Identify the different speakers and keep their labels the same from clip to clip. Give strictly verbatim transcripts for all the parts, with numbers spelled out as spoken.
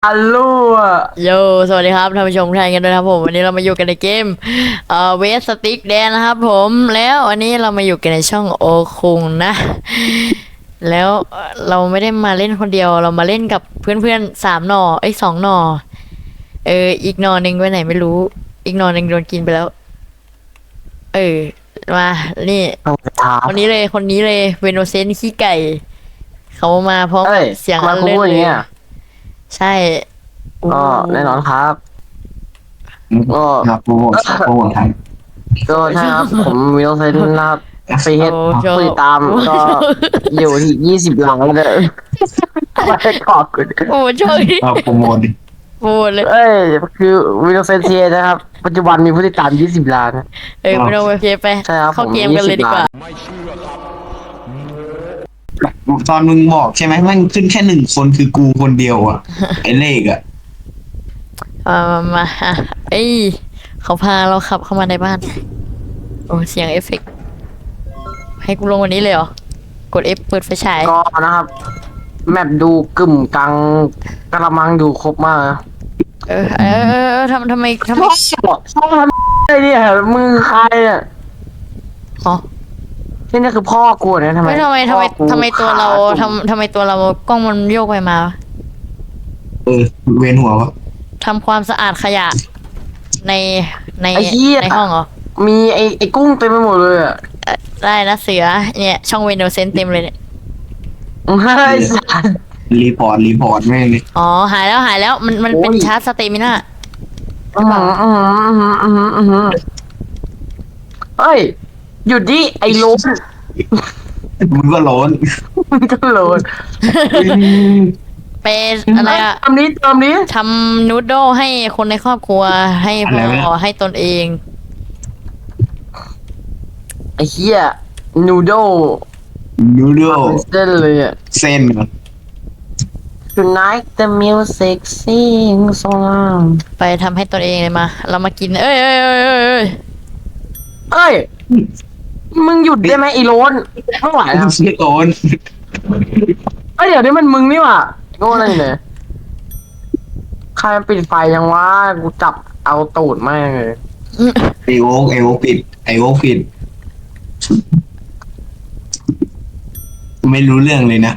Speaker 1: ฮัลโหลอะ
Speaker 2: โยสวัสดีครับท่านผู้ชมทุกท่านกันด้วยนะครับผมวันนี้เรามาอยู่กันในเกมเอ่อเวสติกแดนนะครับผมแล้ววันนี้เรามาอยู่กันในช่องโอคุงนะแล้วเอ่อเราไม่ได้มาเล่นคนเดียวเรามาเล่นกับเพื่อนๆสามหน่อเอ้ยสองหน่อเอออีกหน่อหนึ่งไปไหนไม่รู้อีกหน่อหนึ่งโดนกินไปแล้วเออมานี่
Speaker 1: ต้องถาม
Speaker 2: คนนี้เลยคนนี้เลยเวโนเซนต์ขี้ไก่เขามาพร้อม
Speaker 1: เอ้ย
Speaker 2: เสียง
Speaker 1: ทำไม
Speaker 2: อัน
Speaker 1: คุณ
Speaker 2: เล่น
Speaker 1: พูดอ
Speaker 2: เล
Speaker 1: ย่าง
Speaker 2: ย
Speaker 1: เงี้ย
Speaker 2: ใช่
Speaker 1: ก็แน่นอนครับก็
Speaker 3: ครับโปรโมทโปรโมทครับ
Speaker 1: ก็ใช่ครับผมวิลเซนนะครับฟีเฮด
Speaker 2: โอ้โช
Speaker 1: ผู้ติดตามก็อยู่ที่ยี่สิบหลังเลยไม่ได้ขอบคุณ
Speaker 2: โอ้โชคดี
Speaker 3: ครับโปรโมทดิ
Speaker 2: โอ้เลย
Speaker 1: เอ้ยคือวิลเซนเทียนะครับ ปัจจุบันมีผู้ติดตามยี่สิบล้าน
Speaker 2: เออไม่ต้องไปเพไป
Speaker 1: ใช่ครับ
Speaker 2: เข้า
Speaker 1: ผม
Speaker 2: เกมกันเลยดีกว่า
Speaker 3: ตอนมึงบอกใช่ไหมมันขึ้นแค่หนึ่งคนคือกูคนเดียวอ่ะ ไอ้เลขอ่ะ
Speaker 2: มามามาอ่ะเอ้ยเขาพาเราขับเข้ามาในบ้าน โอ้เสียงเอฟเฟกต์ให้กูลงวันนี้เลยเหรอ กด F เปิดไฟฉาย
Speaker 1: ก็นะครับ แมปดูกึ่มกลางกระมังดูครบมากนะ
Speaker 2: เออเออเออเออทำทำไมทำไม
Speaker 1: ชอบชอบทำอะไรเนี่ยมือใครอ่ะ
Speaker 2: อ๋อ
Speaker 1: ที่นี่คือพ่อกูนะทำไม
Speaker 2: ไม่ทำไมทำไม
Speaker 1: พ่อกู
Speaker 2: ทำไมตัวเรา
Speaker 1: ขาจุ่ม
Speaker 2: ทำทำไมตัวเรากล้องมันโยกไปมา
Speaker 3: เออ เวียนหัววะ
Speaker 2: ทำความสะอาดขยะ ในใน
Speaker 1: ไอ้เหี้ย
Speaker 2: ในห้องเหรอ
Speaker 1: มีไอ้ไอ้กุ้งเต็มไปหมดเลยอ่ะ
Speaker 2: เอ่อได้นะเสือเนี่ยช่องเวนโดเซนเต็มเลยเนี่ย
Speaker 1: ไอ้สัส
Speaker 3: รีพอร์ตรีพอร์ตแม่งเลย
Speaker 2: อ๋อหายแล้วหายแล้วมันมันเป็น
Speaker 1: โอ้ย
Speaker 2: ชาร์จสเตมิน่า
Speaker 1: อื้อหืออื้อหืออื้อหืออื้อหืออื้อหือเฮ้ยหยุดดิไอ้โลน
Speaker 3: มึงก็ร้อน
Speaker 1: มันก็โลน
Speaker 2: เป็นอะไรอะ
Speaker 1: ทำนี้ทำนี้
Speaker 2: ทำนูดโดให้คนในครอบครัวให้พ่อให้ตนเอง
Speaker 1: ไอ้เหี้ยนูโด
Speaker 3: นูโด
Speaker 1: เส้นเลยอ่ะ
Speaker 3: เส้นเหรอ
Speaker 1: Tonight the music sings so loud
Speaker 2: ไปทำให้ตนเองเลยมา เรามากิน เอ้ยเอ้ยเอ้ยเอ้ยเอ้ย
Speaker 1: เอ้ยมึงหยุดได้ไหมไอ้โลนไม่ไหวแล้ว
Speaker 3: ชื่อโอน
Speaker 1: เอ้ยเดี๋ยวนี้มันมึงนี่หว่าโง่อะไรเนี่ยใครมันปิดไฟยังวะกูจับเอาตูดแม่งเลย
Speaker 3: ไอโอ๊กไอโอ๊กปิดไอโอ๊กปิด ไม่รู้เรื่องเลยนะ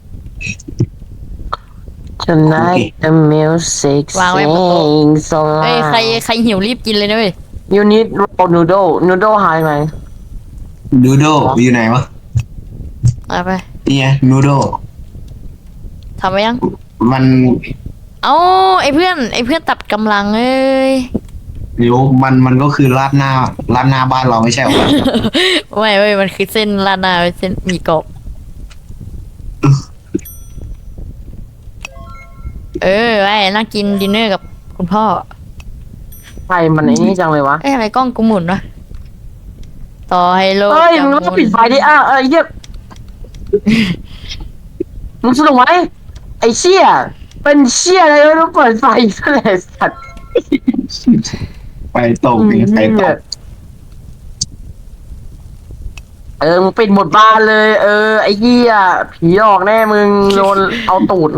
Speaker 1: Tonight the music
Speaker 2: วางไว้บนโต๊ะ
Speaker 1: sings so
Speaker 2: เอ้ยใคร
Speaker 1: loud
Speaker 2: ใครหิวรีบกินเลยนะเว้ย
Speaker 1: You need raw noodle noodle หายไหม
Speaker 3: นูโดอยู่ไหนวะ
Speaker 2: เอาไป
Speaker 3: นี่ไงนูโด
Speaker 2: ทำไปยัง
Speaker 3: มัน
Speaker 2: เอ้าไอ้เพื่อนไอ้เพื่อนตัดกำลังเอ้ย
Speaker 3: เดี๋ยวมันมันก็คือราดหน้าราดหน้าบ้านเราไม่ใช่เหรอ
Speaker 2: ไม่เว้ยมันคือเส้นลาดหนาเส้นหมีกรอบเออไอ้นั่งกินดินเนอร์กับคุณพ่อ
Speaker 1: ใครมันไอ้นี่จังเลยวะ
Speaker 2: เอ้ยอะไรกล้องกูหมุนวะต่อให้โลก
Speaker 1: เอ้ย
Speaker 2: จะ
Speaker 1: มึง
Speaker 2: ห
Speaker 1: ก็
Speaker 2: มุน
Speaker 1: ปิดไฟดิอ่ะเอ้ยเหี้ยมึงสนุกไหมไอ้เชี่ยเป็นเชี่ยอะไรไม่รู้เปิดไฟซะเลยสัตว์
Speaker 3: ไฟตกนี่ไฟตก
Speaker 1: เออมึงปิดหมดบ้านเลย เออไอ้เหี้ยผีออกแน่มึงโดนเอาตูดแน่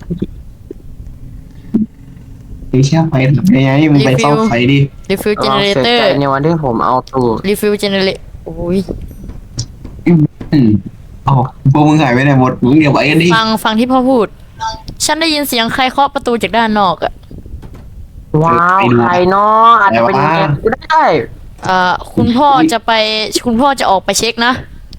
Speaker 3: ไอ้แค่ไฟทำยังไงมึงไปซ่อมไฟดิ
Speaker 2: รีฟิลเจ
Speaker 1: เรา
Speaker 2: เนเร
Speaker 1: เสีย
Speaker 2: เตอ
Speaker 1: ใจ
Speaker 2: ร์
Speaker 1: ในวันที่ผมเอาตูด
Speaker 2: รีฟิลเจเนเรโอ้ย
Speaker 3: อืมอ๋อพวกมึงหายไปไหนหมดมึงเดี๋ยวไปกันดิ
Speaker 2: ฟังฟังที่พ่อพูด ฉันได้ยินเสียงใครเคาะประตูจากด้านนอกอะ
Speaker 1: ว้าวใครเนาะอาจจะเป็นเน็ตก็ได้
Speaker 2: เอ่อคุณพ่อจะไปคุณพ่อจะออกไปเช็คนะ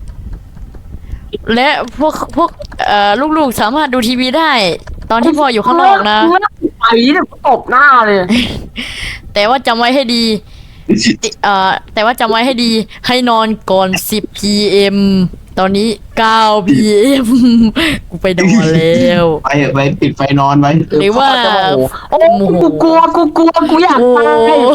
Speaker 2: และพวกพวกเอ่อลูกๆสามารถดูทีวีได้ ตอนที่พ่ออยู่ข้างนอกนะ
Speaker 1: ไอ้เนี่ยตบหน้าเลย
Speaker 2: แต่ว่าจำไว้ให้ดีติเอ่อแต่ว่าจำไว้ให้ดี ให้นอนก่อนสิบ พี เอ็ม ตอนนี้เก้า พี เอ็ม กูไปนอนแล้ว
Speaker 3: ไปไปปิดไฟนอนไว้
Speaker 2: หรือว่า
Speaker 1: โอ้กูกลัวกูกลัวกูอยาก
Speaker 2: โอ้
Speaker 1: ตาย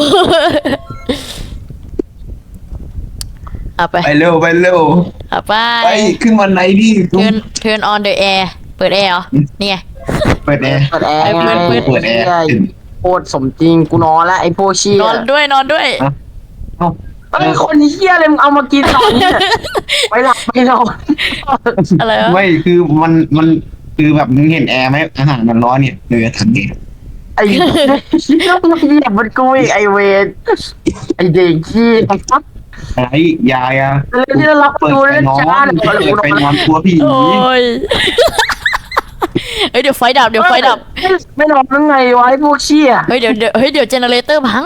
Speaker 2: เอาไป
Speaker 3: ไปเร็วไปเร็ว
Speaker 2: เอาไป
Speaker 3: ไปขึ้นวันไหนดิ
Speaker 2: turn turn on the air เปิดแอร์เหรอนี่ไง
Speaker 3: เปิดแอร์
Speaker 1: เปิดแอร์ไง
Speaker 2: เปิด
Speaker 3: เปิดแอร์
Speaker 1: โคตรสมจริงกูนอนแล้วไอ้พวกเชี่ย
Speaker 2: นอนด้วยนอนด้วย
Speaker 1: ไอ้คนเชี่ยเลยมึงเอามากินตอนนี้ไปหลับไปนอน
Speaker 2: อะไรวะ
Speaker 3: ไม่คือมันมันคือแบบมึงเห็นแอร์ไหมอาหารมันร้อนเนี่ยเลยถังเอง
Speaker 1: ไอ้ต้องมาเหยียบมันกูอีกไอเวนไอเด็กขี้
Speaker 3: อะไรยายอะ
Speaker 1: เลยที่เรารับ
Speaker 3: เปิด
Speaker 1: ดู
Speaker 3: ไฟ
Speaker 1: เลย
Speaker 3: นอ
Speaker 1: จ้าน เดี๋ยว
Speaker 3: เปิด
Speaker 1: กูน
Speaker 3: ไฟ
Speaker 1: อน
Speaker 3: นอนกลัวผี
Speaker 2: โอ้ย เฮ้ยเดี๋ยวไฟดับเดี๋ยวไฟดับ
Speaker 1: ไม่นอนยังไงวะไอ้พวกเชี่ย
Speaker 2: เฮ้ยเดี๋ยวเดี๋ยวเฮ้ยเดี๋ยวเจเนเรเตอร์พัง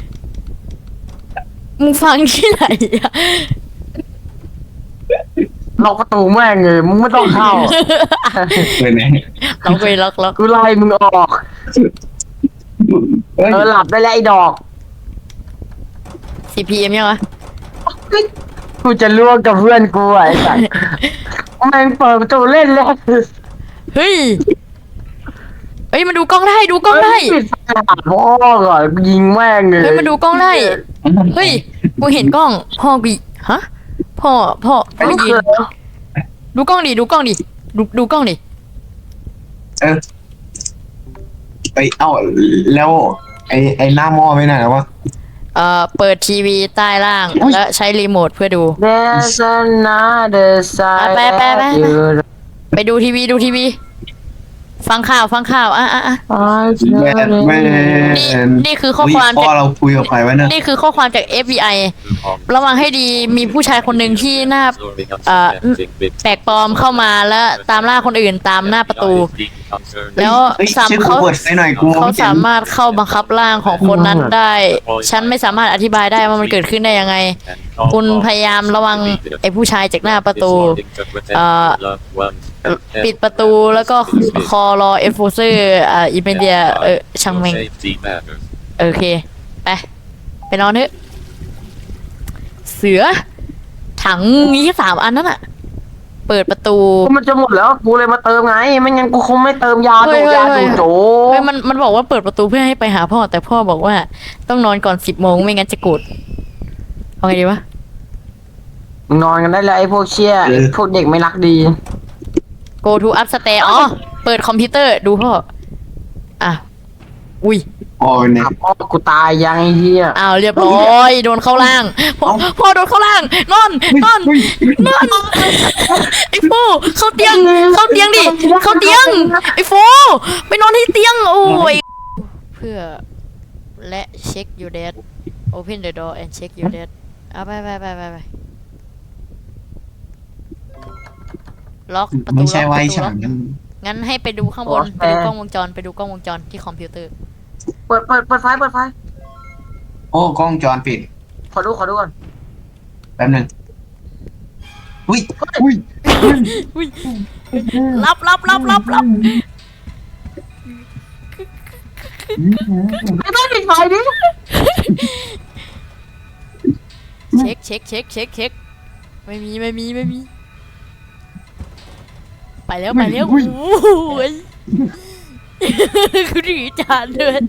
Speaker 2: มึงฟังที่ไหนอะ
Speaker 1: ล็อกประตูแม่งเลยมึงไม่ต้องเข้า
Speaker 3: เปิดไหน
Speaker 2: ล็อกไปล็อกล็อก
Speaker 1: กูไล่มึงออก
Speaker 3: เฮ้ย
Speaker 1: เออหลับได้แล้วไอ้ดอก
Speaker 2: ซีพีเอ็มยังวะ
Speaker 1: กูจะล่วงกับเพื่อนกูไอ้สัสแม่งเปิดประตูเล่นแล้ว
Speaker 2: เฮ้ย เฮ้ยมาดูกล้องได้ดูกล้องได้
Speaker 1: ปิดไฟหาพ่อก่อนกูยิงแม่งเลย
Speaker 2: เฮ้ยมาดูกล้องได้ เฮ้ย กูเห็นกล้อง พ่อกูฮะ พ่อ พ่อ พ่อยืน ดูกล้องดิ ดูกล้องดิ ดู ดูกล้องดิ
Speaker 3: เออไปเอ้าแล้วไอไอหน้าหม้อไม่ไหนวะ
Speaker 2: เอ่อ เปิดทีวีใต้ล่าง
Speaker 3: อุ๊ย
Speaker 2: และใช้รีโมทเพื่อดู
Speaker 1: There's another side
Speaker 2: ไปไปไป
Speaker 1: of you
Speaker 2: ไปดูทีวีดูทีวี ฟังข่าวฟังข่าว อ่ะอ่ะอ่ะ
Speaker 3: แบทแม
Speaker 2: นี่
Speaker 3: น
Speaker 2: นี่คือข้อ
Speaker 3: อุ๊ย
Speaker 2: ความ
Speaker 3: พ่
Speaker 2: จา
Speaker 3: อก เราคุยกับใครวะเนี่ย
Speaker 2: นี่คือข้อความจาก เอฟ บี ไอ ระวังให้ดี มีผู้ชายคนหนึ่งที่หน้า เอ่อ แปลกปลอมเข้ามาแล้วตามล่าคนอื่นตามหน้าประตู แล้ว
Speaker 3: เฮ้ย
Speaker 2: สาม
Speaker 3: ช่วยกู
Speaker 2: เขา
Speaker 3: เปิดไฟหน่อยกูมอง
Speaker 2: เขา
Speaker 3: ไม่เห็น
Speaker 2: สามารถเข้าบังคับร่างของคนนั้นได้ ฉันไม่สามารถอธิบายได้ว่ามันเกิดขึ้นได้ยังไง คุณพยายามระวังไอ้ผู้ชายจากหน้าประตู เอ่อ ปิดประตูแล้วก็คอรอเอฟโฟเซอร์อ่าอิเมเดียเออช่างแม่งโอเค ไป ไปนอนเถอะ เสือ ถังมีแค่สามอันนั่นอะเปิดประตู
Speaker 1: กูมันจะหมดแล้วกูเลยมาเติมไงไม่งั้นกูคงไม่เติมยา
Speaker 2: เฮ้
Speaker 1: ดู
Speaker 2: ยเฮ้ย
Speaker 1: ยา
Speaker 2: เฮ้
Speaker 1: ดู
Speaker 2: ย
Speaker 1: โจ
Speaker 2: เฮ้ยมันมันบอกว่าเปิดประตูเพื่อให้ไปหาพ่อ แต่พ่อบอกว่าต้องนอนก่อนสิบโมงไม่งั้นจะโกรธเอาไงดีวะ
Speaker 1: มึงนอนกันได้แล้วไอ้พวกเชี่ยไอ้พวกเด็กไม่รักดี
Speaker 2: go to upstairs อ๋อ เปิดคอมพิวเตอร์ดูพ่อ อ่ะ อุ้ย
Speaker 3: อ๋อเนี่ย
Speaker 1: อ่ะพ่อกูตายยังไอ้เหี้ย
Speaker 2: อ้าวเรียบร้อย โดนเข้าล่าง พ่อพ่อโดนเข้าล่าง นอน นอน นอน ไอ้ฟูเข้าเตียง เข้าเตียงดิ เข้าเตียง ไอ้ฟูไปนอนที่เตียง โอ้ย เพื่อ และเช็ค your dad open the door and check your dad เอาไปไปไปไปไปล็อกประตู
Speaker 3: ไม่ใช่
Speaker 2: ล็อก
Speaker 3: ไว้
Speaker 2: ประตู
Speaker 3: ฉา
Speaker 2: ล็อก
Speaker 3: ง
Speaker 2: งั้นให้ไปดูข้างบน ไปดูกล้องวงจร ไปดูกล้องวงจรที่คอมพิวเตอร์
Speaker 1: เปิดเปิดเปิดไฟเปิดไฟ
Speaker 3: โอ้กล้องจรปิด
Speaker 1: ขอดูขอดูก่อน
Speaker 3: แป๊บหนึงอุ้ยอุ้ย
Speaker 2: อุ้ยรับรับรับรับรับ
Speaker 1: ไม่ต้องปิดไฟดิ
Speaker 2: เช็คเช็คเช็คเช็คเช็คไม่มีไม่มีไม่มี ไปแล้วไปแล้วโอ้ยคือถือจานเดิน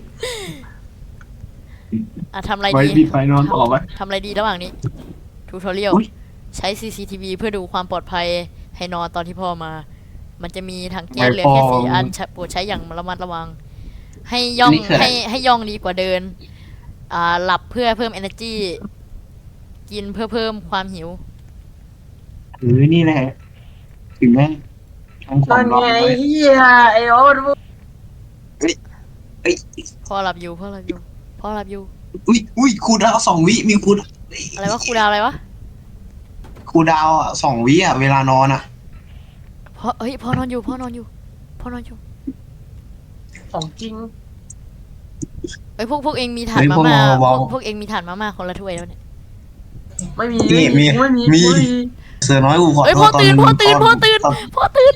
Speaker 2: อ่ะทำอะไร
Speaker 3: ไว้
Speaker 2: ดี
Speaker 3: ปิดไฟนอนต่อไหม
Speaker 2: ทำอะไรดีระหว่างนี้ทูทอเรียล
Speaker 3: อุ๊ย
Speaker 2: ใช้ ซี ซี ที วี เพื่อดูความปลอดภัยให้นอนตอนที่พ่อมา มันจะมีถังแก๊สเหลือแค่สี่อันใช้โปรดใช้อย่างระมัดระวัง ให้ย่องให้ให้ย่องดีกว่าเดิน อ่าหลับเพื่อเพิ่ม energy กินเพื่อเพิ่มความหิว
Speaker 3: เออนี่แหละ ถึงแม่ทำข
Speaker 1: ต
Speaker 3: อ
Speaker 1: อง น
Speaker 3: รอ
Speaker 1: ไง
Speaker 3: ไว้
Speaker 1: เหี้ยไอ้โอ๊ต
Speaker 3: เอ้ย
Speaker 2: พ่อหลับอยู่พ่อหลับอยู่พ่อหลับอยู่
Speaker 3: อุ้ยอุ้ยครูดาวสองวิมีครู
Speaker 2: อะไรวะครูดาวอะไรวะ
Speaker 3: ครูดาวอ่ะสองวิอ่ะเวลานอนอ่ะ
Speaker 2: พ่อเฮ้ยพ่อนอนอยู่พ่อนอนอยู่พ่อนอนอยู่
Speaker 1: ของจริง
Speaker 2: เฮ้ยพวกพวกเองมีถ่าน
Speaker 3: เฮ้ย
Speaker 2: มา
Speaker 3: พวก
Speaker 2: ม่า
Speaker 3: เรา
Speaker 2: พ
Speaker 3: เบา
Speaker 2: วกพวกเองมีถ่านมาม่าคนละถ้วยแล้วเนี่ย
Speaker 1: ไม่มี
Speaker 3: นี่มี
Speaker 1: ไม่มี
Speaker 3: มี
Speaker 1: ไม่มี
Speaker 3: เสือน้อยกูขอ
Speaker 2: เฮ้ย
Speaker 3: โท
Speaker 2: พ่อ
Speaker 3: ษตอน
Speaker 2: ตื่น
Speaker 3: มึง
Speaker 2: พ่อตื่น
Speaker 3: ต
Speaker 2: พ่อตื่น
Speaker 3: ต
Speaker 2: พ่อตื่น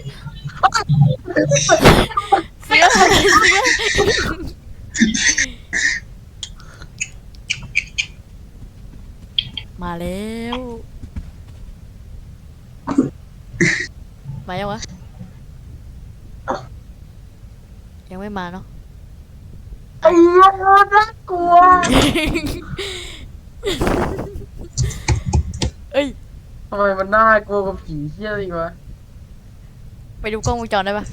Speaker 2: เสือเสือมาแล้วมายังวะยังไม่มาเนาะ
Speaker 1: ไอ้เหี้ยน่ากลัว
Speaker 2: เอ้ย
Speaker 1: ทำไมมันน่ากลัวกับผีเหี้ยอีกวะ
Speaker 2: ไปดูกล้องวงจรได้ปะ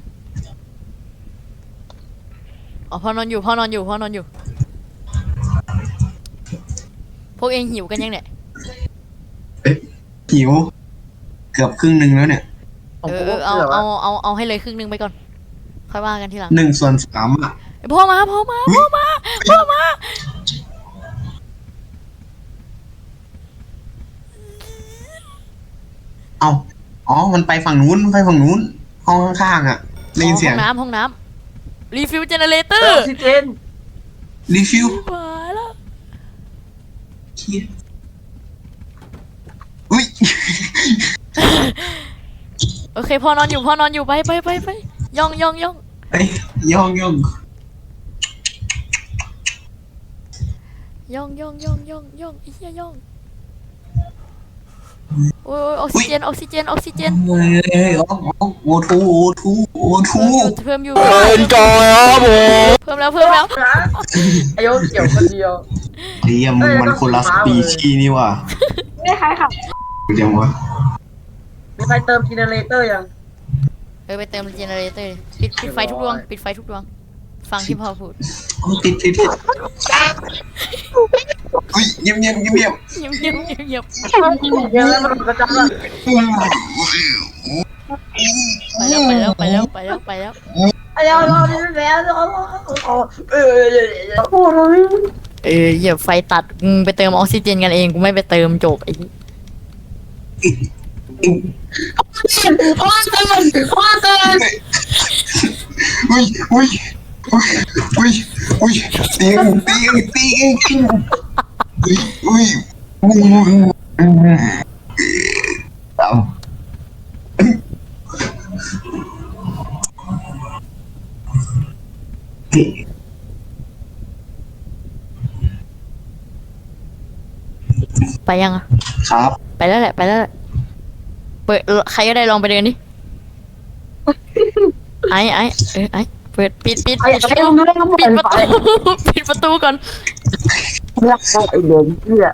Speaker 2: อ๋อพ่อนอนอยู่พ่อนอนอยู่พ่อนอนอยู่ พวกเองหิวกันยังเนี่ย
Speaker 3: หิว เกือบครึ่งหนึ่งแล้วเนี่ย
Speaker 1: ของ
Speaker 2: เอ
Speaker 1: กู
Speaker 2: อเออเอา
Speaker 1: แบบ
Speaker 2: เอา
Speaker 1: ว่า
Speaker 2: เอาเอาให้เลยครึ่งหนึงไปก่อนค่อยว่ากันทีหลัง
Speaker 3: หนึ่งส่วนสามอ่ะ
Speaker 2: เอ้ยพ่อมาพ่อมาพ่อมาพ่อมา
Speaker 3: เอาอ๋อมันไปฝั่งนู้นมันไปฝั่งนู้นห้องข้างๆอ่ะได้ยินเสีย
Speaker 2: ห้
Speaker 3: ง
Speaker 2: องน้ำห้องน้ำรีฟิลเจเนเรเตอ
Speaker 1: เออ
Speaker 2: ร์
Speaker 1: ออกซิเจน
Speaker 3: รีฟิว
Speaker 2: ตายแล้ว
Speaker 3: เฮียอุ้ย
Speaker 2: โอเคพ่อนอนอยู่พ่อนอนอยู่ไปไปไปไปย่องย่องย่อง
Speaker 3: เอ้ยย่องย่อง
Speaker 2: ย่องย่องย่องย่องย่องไอ้เหี้ยย่องโอ้ยโอ้ยออกซิเจนออกซิเจนออกซิเจน
Speaker 3: เฮ้ยเฮ้ยอ๋ออ๋อโอทูโอทูโอทู
Speaker 2: เพิ่มอยู่เพิ่มอยู่
Speaker 3: เป็นจอยครับผม
Speaker 2: เพิ่มแล้วเพิ่มแล้ว
Speaker 1: ไอ้โยเกี่ยวคนเดียว
Speaker 3: เดียมงมันคนละสปีชีส์นี่ว่ะ
Speaker 1: ไม่คล้ายค่ะ
Speaker 3: เดี๋ยววะ
Speaker 1: มีใครเติมจีเนเรเตอร์ยัง
Speaker 2: เออไปเติมเจเนเรเตอร์ปิดปิดไฟทุกดวงปิดไฟทุกดวงฟังที่พ่อพูด
Speaker 3: โอ้ติดติดติดอุ้ยเงียบเงียบเงียบเงียบ
Speaker 2: เงียบเงียบเงียบเงียบ
Speaker 1: เดี๋ยวแล้วมันกระจายละ
Speaker 2: ไปแล้วไปแล้วไปแล้วไปแล้วไปแล้ว
Speaker 1: ไอ้เราเราแล้วเราเออโอ้ย
Speaker 2: เออเหยียบไฟตัดมึงไปเติมออกซิเจนกันเองกูไม่ไปเติมจบไอ้
Speaker 1: พ่อเตือนพ่อเตือน
Speaker 3: อุ้ยอุ้ยอุ้ยอุ้ยเตียงเตียงเตียงอุ้ยอุ้ยเอาเฮ้ย
Speaker 2: ไปยังอะ
Speaker 3: ครับ
Speaker 2: ไปแล้วแหละไปแล้วแหละเปิดใครก็ได้ลองไปเดินดิไอ้ไอ้เออไอ้เปิดปิดปิด
Speaker 1: ไอ้
Speaker 2: ปิด
Speaker 1: ไอ้มึงต้อง
Speaker 2: ปิดประตูปิดประตูก่อน
Speaker 1: รักไอ้เด็กเหี้ย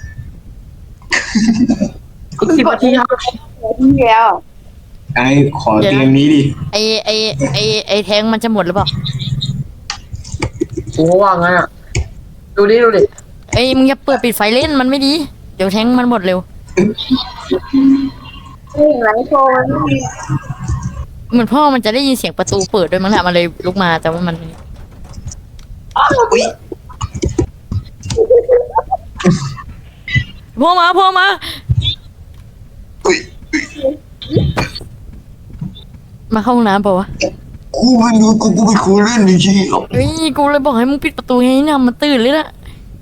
Speaker 1: สิบนาทีครับแล้ว
Speaker 3: ไอ้ขอเตียงนี้ดิ
Speaker 2: ไอไอไอไอแทงมันจะหมดหรือเปล่า
Speaker 1: โอ้ว่าไงอ่ะดูดิดูดิ
Speaker 2: ไอยมึงอย่าเปิดปิดไฟเล่นมันไม่ดีเดี๋ยวแทงมันหมดเร็ว
Speaker 1: นี่ไหลโชว์มัน
Speaker 2: เหมือนพ่อมันจะได้ยินเสียงประตูเปิดด้วยมั้งแหละมันเลยลุกมาแต่ว่ามัน
Speaker 3: อุ้ย
Speaker 2: พ่อมาพ่อมา
Speaker 3: อุ้ย
Speaker 2: มาเข้าห้องน้ำเปล่าวะ
Speaker 3: กูไม่รู้กูกูไปคุยเล่นจริงๆหรอก
Speaker 2: เฮ้ยกูเลยบอกให้มึงปิดประตูไงเนี่ยมันตื่นเลยละ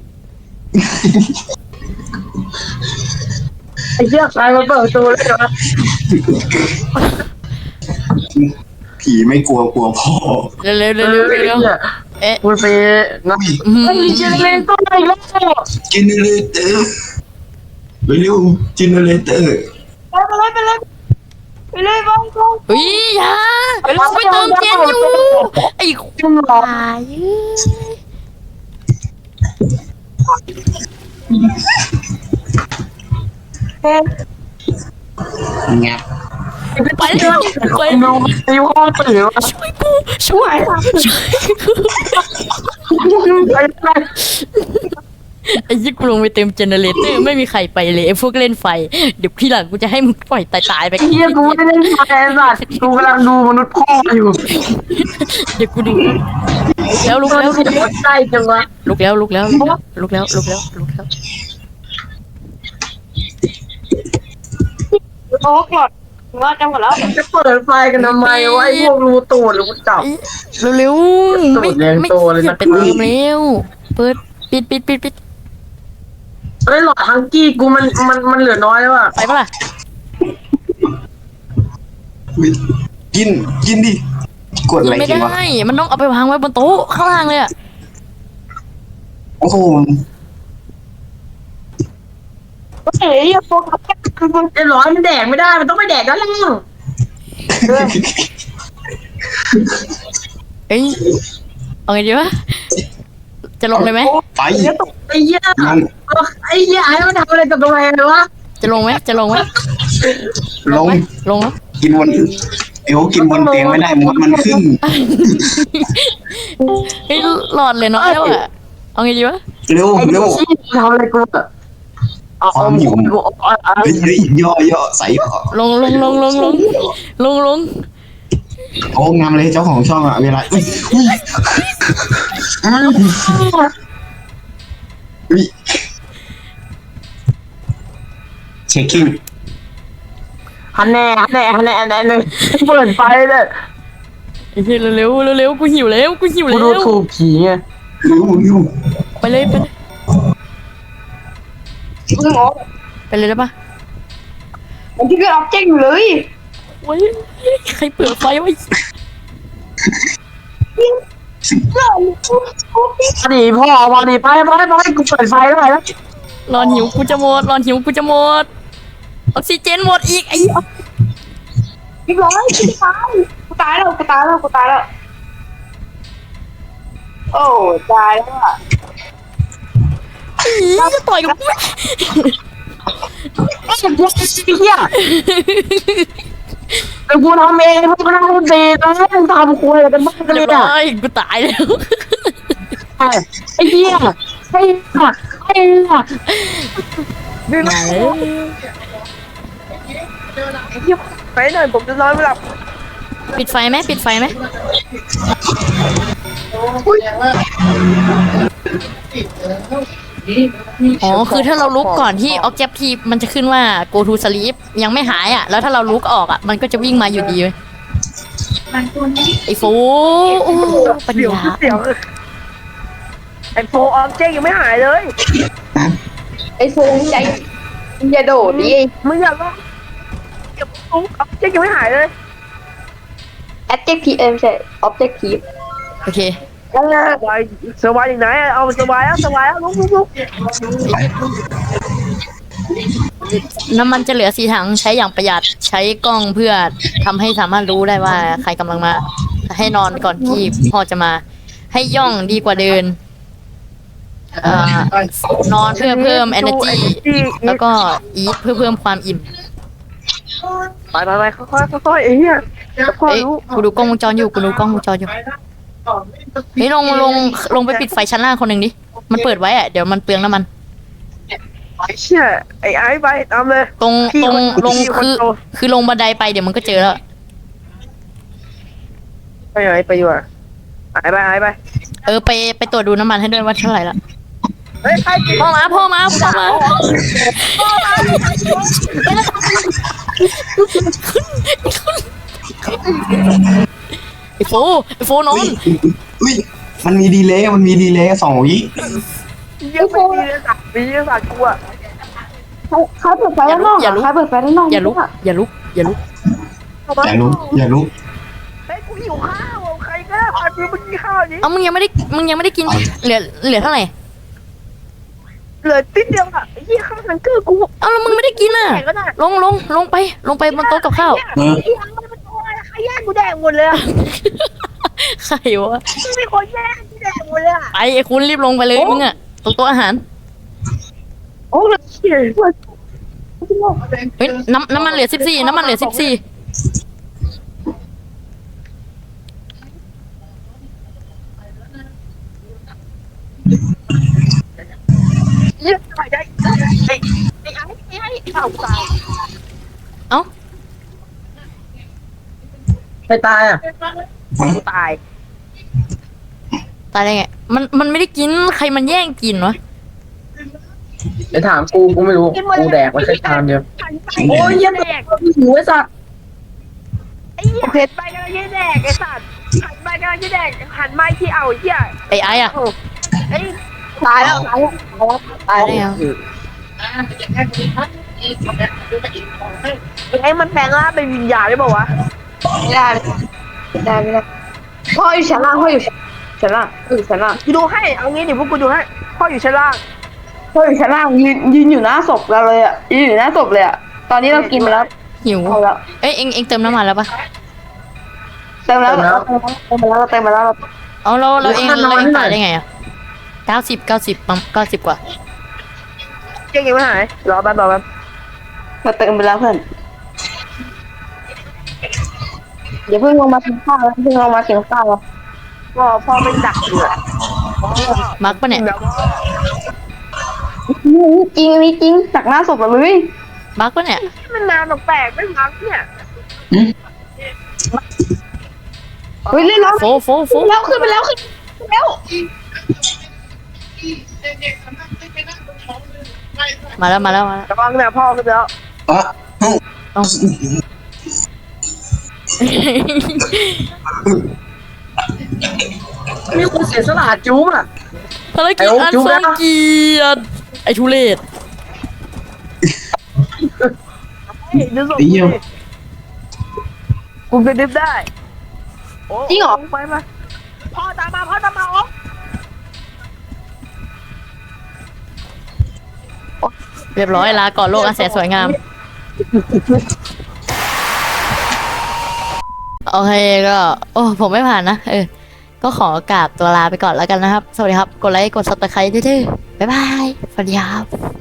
Speaker 1: ไอ้เหี้ยใครมาเปิดประตูเลยนะ
Speaker 3: ผีไม่กลัวกลัวพ่อ
Speaker 2: เร็วเร็วเร็วเร็วเร็วเอ๊ะ
Speaker 1: กูไปนะ
Speaker 2: อืม
Speaker 1: ไอ้เจเนเรเตอร์อีกแล้ว
Speaker 3: จินเนอเรเตอร์ไปเร็วจินเนอเรเตอร์
Speaker 1: ไปเลยไปเลยไปเลยบ้องบ้อง
Speaker 2: เฮ้ยอย่าเราไปเติมเจนอยู่ไอ้
Speaker 1: จุ่มหลอ
Speaker 2: ตายเอ้ย
Speaker 1: เฮ้ย
Speaker 3: เงียบ
Speaker 2: ไปเลยไป
Speaker 1: ดูไอ้ห้องตื่นวะ
Speaker 2: ช่วยกูช่วยช่วยกู
Speaker 1: ไอ้ไอ้
Speaker 2: ไอ้ยี่กูลงไปเติมเจเนเรเตอร์ไม่มีใครไปเลยไอ้พวกเล่นไฟเดี๋ยวที่หลังกูจะให้มึงปล่อยตายตายๆไป
Speaker 1: เหี้ยกูไม่ได้ไฟไอ้สัตว์กูกำลังดูมนุษย์พ่ออยู่
Speaker 2: เดี๋ยวกูดูแล้วลุกแล้วลุกแล้ว
Speaker 1: ใกล้จังวะ
Speaker 2: ลุกแล้วลุกแล้วลุกแล้วลุกแล้วลุกแล้วลุกแล้ว
Speaker 4: โอ้หมดว่าจะหมดแล้ว
Speaker 1: จะเปิดไฟกันทำไมวะไอ้พวกรูตูดหรือกูจับ
Speaker 2: เร็วๆไม่
Speaker 1: แรง
Speaker 2: ไม่
Speaker 1: โตเลยนะ
Speaker 2: อย่าไปเติมเร็วเปิดปิดปิดปิดปิด
Speaker 1: เฮ้ยหลอดฮังกี้กูมันมันมันเหลือน้อยแล้วอ่ะ
Speaker 2: ไปปะล่ะ
Speaker 3: อุ๊ยกินกินดิกดอะไร
Speaker 2: ไม่
Speaker 3: กินวะ
Speaker 2: ได้มันต้องเอาไปวางไว้บนโต๊ะข้างล่างเลยอะ
Speaker 3: โอ้โห
Speaker 4: เฮ้ยอย่าโฟกัส
Speaker 1: ไอ้ร้อยมันแดกไม่ได้มันต้องไปแดกด้านล่าง
Speaker 2: เอ้ยเอาไงดีวะจะลงเลยไหม
Speaker 3: ไป
Speaker 1: ไอ้เหี้ย
Speaker 3: นั่น
Speaker 1: ไอ้เหี้ยไอ้มันทำอะไรกับตัวเองเลยวะ
Speaker 2: จะลงไหมจะลงไหม
Speaker 3: ลง
Speaker 2: ไหมลงแล้ว
Speaker 3: กินบนเอวกินบนเตียงไม่ได้มดมันขึ้น
Speaker 2: เฮ้ยหลอดเลยน้อยแล้วอะเอาไงดีวะ
Speaker 3: เร็ว
Speaker 1: ไอ้
Speaker 3: เร็ว
Speaker 1: ชี้ทำอะไรกูอะเอา
Speaker 3: ควา
Speaker 1: เอา
Speaker 3: มหิว
Speaker 1: เอาเอา
Speaker 3: เฮ้ยเฮ้ยย่อย่อใส่ย่อ
Speaker 2: ลงลงลงลงลงลงลง
Speaker 3: โอ้งามเลยเจ้าของช่องอะเวลาอุ้ยอุ้ยอุ้ยเช็คกิ้ง
Speaker 1: ฮันแน่ฮันแน่ฮันแน่ฮันแน่หนึ่งเปิดไฟเลย
Speaker 2: ไอ้เหี้ยเร็วเร็วเร็วกูหิวแล้วกูหิว
Speaker 1: กู
Speaker 2: แล้
Speaker 1: ดู
Speaker 2: ว
Speaker 1: ถูกผีไง
Speaker 3: ริ้วริ้ว
Speaker 2: ไปเลยไปเลย
Speaker 4: มึงหมอ
Speaker 2: ไปเลยได้ปะ
Speaker 4: มันที่เป็นออบเจกต์อยู่เลย
Speaker 2: โอ้ยใครเปิดไฟไว้
Speaker 1: พอดีพ่อพอดีไปไปไปกูเปิดไฟได้แล้ว
Speaker 2: รอนหิวกูจะหมดรอนหิวกูจะหมดออกซิเจนหมดอีกไอ้
Speaker 4: เรียบร้อยกูตายกูตายแล้วกูตายแล้วกูตายแล้วโอ้ตายแล้วอ่ะ
Speaker 2: อีจะต่อยกับกู
Speaker 1: ไอ้เหี้ยแต่กูทำเองกูทำดีนะมึงทำคุยกันบ้างกัน
Speaker 2: เรี
Speaker 1: เลย ย
Speaker 2: บร้
Speaker 1: อ่ะ
Speaker 2: อยกูตายแล้ว
Speaker 1: ไอ้เหี้ยไอ้เหี้ยไอ้เหี้ย
Speaker 2: มาแล้ว
Speaker 4: ไปหน่อยผมจะนอนไม่หลับ
Speaker 2: ปิดไฟไหมปิดไฟไหมอ๋อคือถ้าเราลุกก่อนที่ objective มันจะขึ้นว่า go to sleep ยังไม่หายอ่ะแล้วถ้าเราลุกออกอ่ะมันก็จะวิ่งมาอยู่ดีเว้ยไอ้โฟโอ้ปัญญา
Speaker 4: เสียวไอโฟออบเจกต์ยังไม่หายเลย
Speaker 5: ไอ้โฟงใจอย่าโดดดิ
Speaker 4: มึงอย่าลอกเก็บปุ๊บออบเจกต์ยังไม่หายเลย
Speaker 5: adjective เอ็มใช่ objective
Speaker 2: โอเค
Speaker 4: ยังไงสบายสบายอย่างไหนเอาสบายแล้วสบายแล้วลุกลุกลุก
Speaker 2: น้ำมันจะเหลือสี่ถังใช้อย่างประหยัดใช้กล้องเพื่อทำให้สามารถรู้ได้ว่าใครกำลังมา ให้นอนก่อนที่พ่อจะมา ให้ย่องดีกว่าเดินเอ่อนอนเพื่อเพิ่ม energy แล้วก็ eat เพื่อเพิ่มความอิ่ม
Speaker 4: ไปไปไปค่อยๆค่อยๆไอ้เหี้ยค่อย
Speaker 2: เอ้ย
Speaker 4: ๆรู้
Speaker 2: กูดูกล้องวงจรอยู่กูดูกล้องวงจรอยู่เฮ้ยลงลงลงไปปิดไฟชั้นล่างคนหนึ่งดิมันเปิดไว้อะเดี๋ยวมันเปลืองน้ำมัน
Speaker 4: ไอ้เชี่ยไอ้ไอ้ไปตามเลย
Speaker 2: ตรง
Speaker 4: พี่
Speaker 2: ตรง
Speaker 4: คน
Speaker 2: ลง
Speaker 4: พี่คน
Speaker 2: คือ
Speaker 4: โต
Speaker 2: คือลงบันไดไปเดี๋ยวมันก็เจอแล้ว
Speaker 4: ไปไหนไปอยู่อ่ะหายไปหายไป
Speaker 2: เออไปไปตรวจดูน้ำมันให้ด้วยว่าเท่าไหร่ละ
Speaker 4: เฮ้ยใครกิน
Speaker 2: พ่อมาพ่อมาพ่อมาไอ้โฟไอ้โฟนอ
Speaker 3: อุ้
Speaker 2: น
Speaker 3: ยอุ้ยมันมีดีเลย์มันมีดีเลย์สองวิ
Speaker 4: ยังไม่มีเลยสัตว์มีเลยสัตว์กูอ่ะ
Speaker 5: ใครใครเปิดไฟด้านนอกอะใครเปิดไฟด้านนอก
Speaker 2: อย่าลุกอย่าลุกอย่าลุก
Speaker 3: อย่าลุกอย่าลุก
Speaker 4: เฮ้ยกูหิวข้าวอ่ะใครก็ได้พากูไปกินข้าวนี้
Speaker 2: เอ้ามึงยังไม่ได้มึงยังไม่ได้กินเหลือเหลือเท่าไหร่
Speaker 4: เหลือติดเดียวอ่ะไอ้เหี้ยข้าวนังเกอร์กู
Speaker 2: เอ้าแล้วมึงไม่ได้กินอ่ะ
Speaker 4: แข่งก็ได้
Speaker 2: ลงลงลงไปลงไปบนโต๊ะกับข้าว
Speaker 3: เออ
Speaker 4: ไอ้ยังมันเป็นตัวอะไรใครแย่งกูแดงหมดเลยอ่ะ
Speaker 2: ใครวะ
Speaker 4: มีคนแย่งกูแดงหมดเลยอ่ะ
Speaker 2: ไปไอ้คุณรีบลงไปเลยมึงอ่ะตรงโต๊ะอาหาร
Speaker 4: โอ้เลยเชี่ย
Speaker 2: เฮ้ยน้ำน้ำมันเหลือสิบสี่น้ำมันเหลือสิบสี่
Speaker 4: เหี้ยตายได้ไอ้ไอ้ไอ้ไอ้ไอ้ข้าวกูตาย
Speaker 2: เอ้า
Speaker 1: ไปตายอ่ะ
Speaker 4: กูตาย
Speaker 2: ตายได้ไงมันมันไม่ได้กินใครมันแย่งกินวะ
Speaker 1: ไปถามกูกูไม่รู้กูแดกมาแค่ชามเดียว
Speaker 4: โอ้ยเหี้ยแดก
Speaker 1: หิวไอ้สัตว์
Speaker 4: ไอ้เหี้ยเผ็ดไปกำลังจะแดกไอ้สัตว์หันไปกำลังจะแดกหันไม้ที่เอาไอ้เหี้ย
Speaker 2: ไอ้ไอ้อะ
Speaker 4: ไอ้
Speaker 5: ตายแล้วตายแล้วตาย
Speaker 2: ตาย
Speaker 5: แล้ว
Speaker 2: ได้ไง
Speaker 4: ไอ้มันแปลงร่างเป็นวิญญาณได้ป่าวะ
Speaker 5: ไม่ได้ไม่ได้ไม่ได้พ่ออยู่ชั้นล่างพ่ออยู่ชั้นล่างพ่ออยู่ชั้นล่าง
Speaker 4: กูดูให้เอางี้เดี๋ยวพวกกูดูให้พ่ออยู่ชั้นล่าง
Speaker 5: พ่ออยู่ชั้นล่างยืนยืนอยู่หน้าศพเราเลยอ่ะยืนอยู่หน้าศพเลยอ่ะตอนนี้เรากินไปแล้ว
Speaker 2: หิว
Speaker 5: เอาแล้ว
Speaker 2: เอ้ยเอ็งเอ็งเติมน้ำมันแล้วปะ
Speaker 5: เต็มแล้วเต็มแล้วเต็มแล้ว
Speaker 2: เอาเราเราเองเราเองตายได้ไงอะเก้าสิบเก้าสิบปั๊มเก้าสิบกว่า
Speaker 4: เจ๊ยังไม่หายรอแป๊บรอแป๊บ
Speaker 5: เราเต็มไปแล้วเพื่อนอย่าเพิ่งลงมากินข้าวอย่าเพิ่งลงมากินข้าว
Speaker 4: พ่อพ่อไม่ดักอยู่อะ
Speaker 2: มาร์กปะเนี่ย
Speaker 4: แบบว่า
Speaker 5: จริงอันนี้จริงจากหน้าศพเราเลย
Speaker 2: บักปะเนี่ย
Speaker 4: มันนานแปลกๆไม่พักเนี่ย
Speaker 5: เฮ้ยเล่นแล้ว
Speaker 2: โฟโฟโฟ
Speaker 5: ขึ้นแล้วขึ้นไปแล้วขึ้นไปแล้ว
Speaker 2: มาแล้วมาแล้วมาแล้ว
Speaker 4: ระวังนะพ่อขึ้นแล้ว
Speaker 3: อ่ะเอ้า
Speaker 2: เอา
Speaker 1: มีคนเสียสละจู๊อ่ะ
Speaker 2: ภารกิจ
Speaker 1: ไอ้โอ๊ค
Speaker 2: อัน
Speaker 1: จุ๊บ
Speaker 2: ทร
Speaker 1: นะ
Speaker 2: งเกียรติไอ้ทุเรศ
Speaker 4: เฮ้ยดูศพ
Speaker 3: ตี
Speaker 4: กู
Speaker 3: เยี่ยม
Speaker 4: ดิกูกระดึบได้โอ้
Speaker 5: จริงเหรอ
Speaker 4: ไปมาพ่อตามมาพ่อตามมาโอ้
Speaker 2: เรียบร้อยลาก่อนโลกอันแสนสวยงาม โอเคก็ โอ้ผมไม่ผ่านนะ เออ ก็ขอกราบตัวลาไปก่อนแล้วกันนะครับ สวัสดีครับ กดไลค์ กดซับสไครต์ด้วยๆบ๊ายบาย สวัสดีครับ